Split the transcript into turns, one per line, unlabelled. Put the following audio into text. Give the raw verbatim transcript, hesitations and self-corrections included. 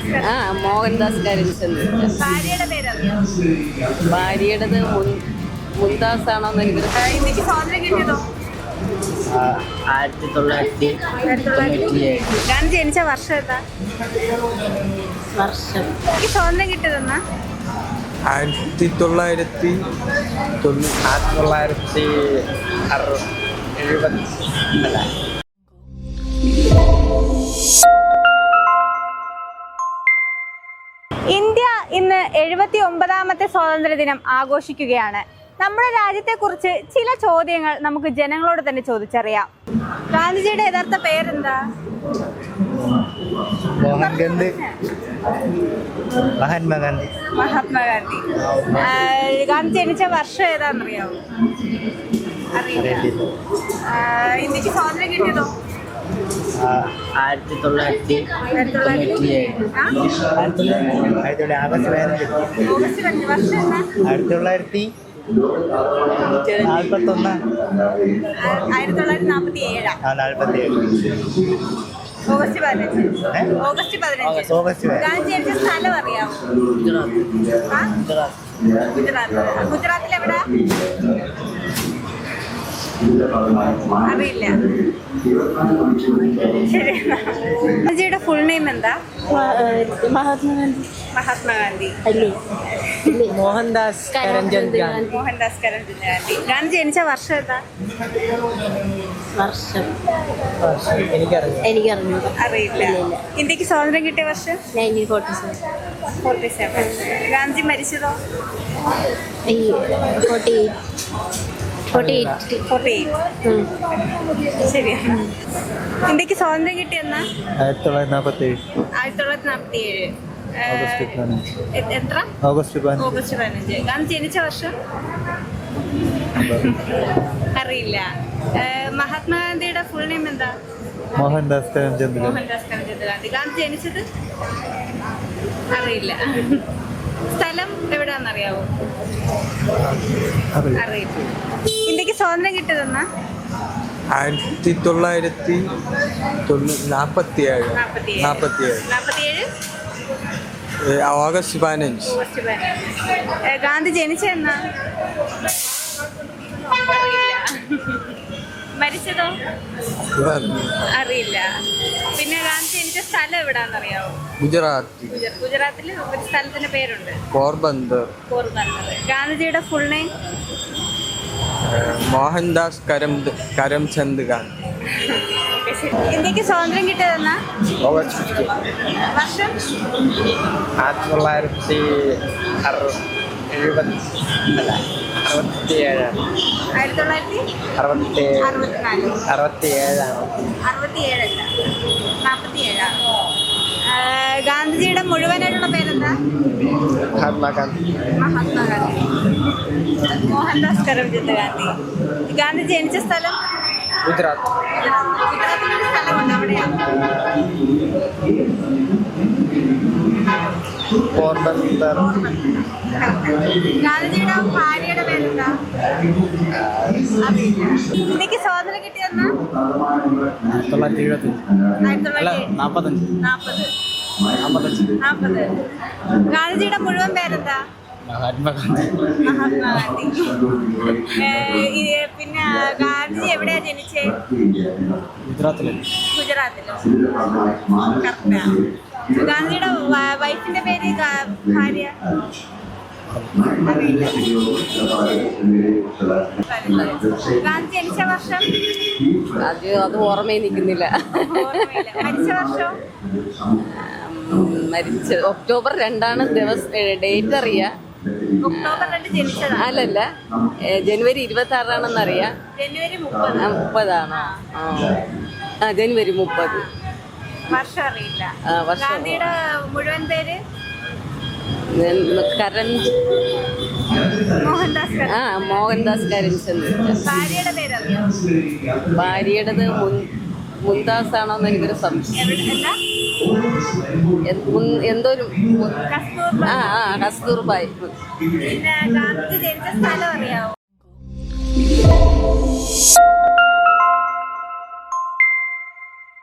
ആ മോഹൻദാസ് കരംചന്ദ്.
ഭാര്യയുടെ പേരറിയോ?
ഭാര്യയുടേത് മുംതാസ് ആണോന്ന് എനിക്ക്
ഇന്ത്യക്ക് സ്വാതന്ത്ര്യം കിട്ടിയതോ?
ആയിരത്തി തൊള്ളായിരത്തി തൊണ്ണൂറ്റിയേഴ്.
ഞാൻ ജനിച്ച വർഷം ഏതാ?
വർഷം
എനിക്ക് സ്വാതന്ത്ര്യം കിട്ടിയതെന്നാ?
ആയിരത്തി തൊള്ളായിരത്തി
ആയിരത്തി തൊള്ളായിരത്തി അറുപത് എഴുപത് അല്ല
ഇന്ത്യ ഇന്ന് എഴുപത്തി ഒമ്പതാമത്തെ സ്വാതന്ത്ര്യ ദിനം ആഘോഷിക്കുകയാണ്. നമ്മുടെ രാജ്യത്തെക്കുറിച്ച് ചില ചോദ്യങ്ങൾ നമുക്ക് ജനങ്ങളോട് തന്നെ ചോദിച്ചറിയാം. ഗാന്ധിജിയുടെ യഥാർത്ഥ പേരെന്താ?
മോഹൻഗാന്ധി മഹാത്മാഗാന്ധി.
മഹാത്മാഗാന്ധി. ഗാന്ധി ജനിച്ച വർഷം ഏതാണെന്നറിയാമോ? അറിയില്ല. ഇന്ത്യക്ക് സ്വാതന്ത്ര്യം കിട്ടിയതോ?
ആയിരത്തി തൊള്ളായിരത്തി തൊണ്ണൂറ്റിയേഴ്. ആയിരത്തി തൊള്ളായിരത്തി ആഗസ്റ്റ് പതിനഞ്ച്.
ഓഗസ്റ്റ് പതിനഞ്ച്. വർഷം എന്താ?
ആയിരത്തി തൊള്ളായിരത്തി നാൽപ്പത്തൊന്ന്.
ആയിരത്തി തൊള്ളായിരത്തി നാൽപ്പത്തി ഏഴാ.
ആ നാൽപ്പത്തി ഏഴ്.
ഓഗസ്റ്റ് പതിനഞ്ച്. ഓഗസ്റ്റ് പതിനഞ്ച്.
ഓഗസ്റ്റ്
ഗാന്ധി ജനിച്ച സ്ഥലം അറിയാമോ? ആ? ഗുജറാത്ത്. ഗുജറാത്തിൽ എവിടെ? അറിയില്ല. ശരി. ഗാന്ധിജിയുടെ ഫുൾ നെയിം എന്താ?
മഹാത്മാഗാന്ധി.
മഹാത്മാഗാന്ധി.
മോഹൻദാസ് കരംചന്ദ് ഗാന്ധി.
മോഹൻദാസ് കരംചന്ദ് ഗാന്ധി. ഗാന്ധി ജനിച്ച വർഷം ഏതാ?
വർഷം
എനിക്കറിയാം.
എനിക്കറിഞ്ഞു.
അറിയില്ല. ഇന്ത്യക്ക് സ്വാതന്ത്ര്യം കിട്ടിയ വർഷം?
Nineteen forty seven.
Forty seven. Gandhi മരിച്ചതോ?
Forty eight. Forty eight.
Forty eight. ശരിയാണ്. ഇന്ത്യക്ക് സ്വാതന്ത്ര്യം കിട്ടിയെന്നാ?
ആയിരത്തി തൊള്ളായിരത്തി നാൽപ്പത്തി ഏഴ്.
ആയിരത്തി തൊള്ളായിരത്തി നാൽപ്പത്തി ഏഴ്. എത്ര?
ഓഗസ്റ്റ് പതിനഞ്ച്.
ഓഗസ്റ്റ് പതിനഞ്ച്. ഗാന്ധി ജനിച്ച വർഷം? അറിയില്ല. മഹാത്മാഗാന്ധിയുടെ ഫുൾ നെയിം എന്താ?
മോഹൻദാസ് കരംചന്ദ്.
മോഹൻദാസ് കരംചന്ദ് ഗാന്ധി. ഗാന്ധി ജനിച്ചത്? അറിയില്ല. സ്ഥലം എവിടെയാണെന്നറിയാവോ? അറിയില്ല. ഇന്ത്യക്ക് സ്വാതന്ത്ര്യം കിട്ടിയതെന്നാ?
ആയിരത്തി തൊള്ളായിരത്തി നാൽപ്പത്തി ഏഴ്. നാൽപ്പത്തി ഏഴ്.
നാൽപ്പത്തി ഏഴ്.
ഓഗസ്റ്റ് പതിനഞ്ച്.
ഓഗസ്റ്റ് പതിനഞ്ച്. ഗാന്ധി ജനിച്ചെന്നാ? അറിയില്ല. മരിച്ചതോ? അറിയില്ല. പിന്നെ ഗാന്ധി ജനിച്ച സ്ഥലം എവിടാന്നറിയാവോ?
ഗുജറാത്ത്.
ഗുജറാത്തിൽ ഒരു സ്ഥലത്തിന്റെ പേരുണ്ട്,
പോർബന്ദർ.
പോർബന്ദർ. ഗാന്ധിജിയുടെ ഫുൾ നെയിം?
മോഹൻദാസ് കരം കരംചന്ദ് ഗാന്ധി.
ഇന്ത്യക്ക് സ്വാതന്ത്ര്യം കിട്ടിയതെന്നാ?
August fifteen.
വർഷം?
ആയിരത്തി തൊള്ളായിരത്തി അറുപത് എഴുപത് അല്ല അറുപത്തി ഏഴാണ്.
ആയിരത്തി തൊള്ളായിരത്തി
അറുപത്തി
അറുപത്തിനാല്.
അറുപത്തി ഏഴാണ്.
അറുപത്തി ഏഴല്ല, നാൽപ്പത്തി ഏഴാണ്. ഗാന്ധിജിയുടെ മുഴുവനായിട്ടുള്ള പേരെന്താ?
മഹാത്മാഗാന്ധി.
മഹാത്മാഗാന്ധി. മോഹൻദാസ് കരംചന്ദ് ഗാന്ധി. ഗാന്ധി ജനിച്ച സ്ഥലം?
ഗുജറാത്ത്.
ഗുജറാത്തിലൊരു സ്ഥലമുണ്ട്, അവിടെയാണ്.
പോർബന്ദർ.
ഗാന്ധിജിയുടെ ഭാര്യയുടെ പേരെന്താ? ഇന്ത്യക്ക് സ്വാതന്ത്ര്യം കിട്ടിയെന്നാ?
ആയിരത്തി തൊള്ളായിരത്തി എഴുപത്തി
ആയിരത്തി തൊള്ളായിരത്തി
നാൽപ്പത്തഞ്ച്.
നാൽപ്പത്.
നാൽപ്പത്തഞ്ച്.
നാൽപ്പത്. ഗാന്ധിജിയുടെ മുഴുവൻ പേരെന്താ?
മഹാത്മാഗാന്ധി.
മഹാത്മാഗാന്ധി. പിന്നെ ഗാന്ധിജി എവിടെയാ ജനിച്ചേ?
ഗുജറാത്തില്.
ഗുജറാത്തിലോ? കറക്റ്റാ. ഗാന്ധിജിയുടെ വൈഫിന്റെ പേര്? ഭാര്യ? ഗാന്ധി ജനിച്ച വർഷം?
അത് അത് ഓർമ്മയിൽ നിൽക്കുന്നില്ല.
മരിച്ച വർഷം?
മരിച്ച ഒക്ടോബർ രണ്ടാണ് ദിവസം, ഡേറ്റ് അറിയാം.
ഒക്ടോബർ രണ്ട് ജനിച്ചതാ?
അല്ലല്ല, ജനുവരി ഇരുപത്തി ആറാണെന്നറിയാം.
ജനുവരി മുപ്പത്.
മുപ്പതാണോ? ആ ജനുവരി മുപ്പത്.
വർഷം അറിയില്ല.
വർഷം.
ഗാന്ധിയുടെ മുഴുവൻ പേര്?
കരം
മോഹൻദാസ്.
ആ മോഹൻദാസ് കരംചന്ദ്.
ഭാര്യയുടെ പേരറിയോ?
ഭാര്യയുടേത് മുംതാസ് ആണോന്ന് എനിക്കൊരു സംശയം. എന്തോ ഒരു ആ ആ കസ്തൂർബായ്.
പിന്നെ ഗാന്ധി ജനിച്ച സ്ഥലം അറിയാവോ?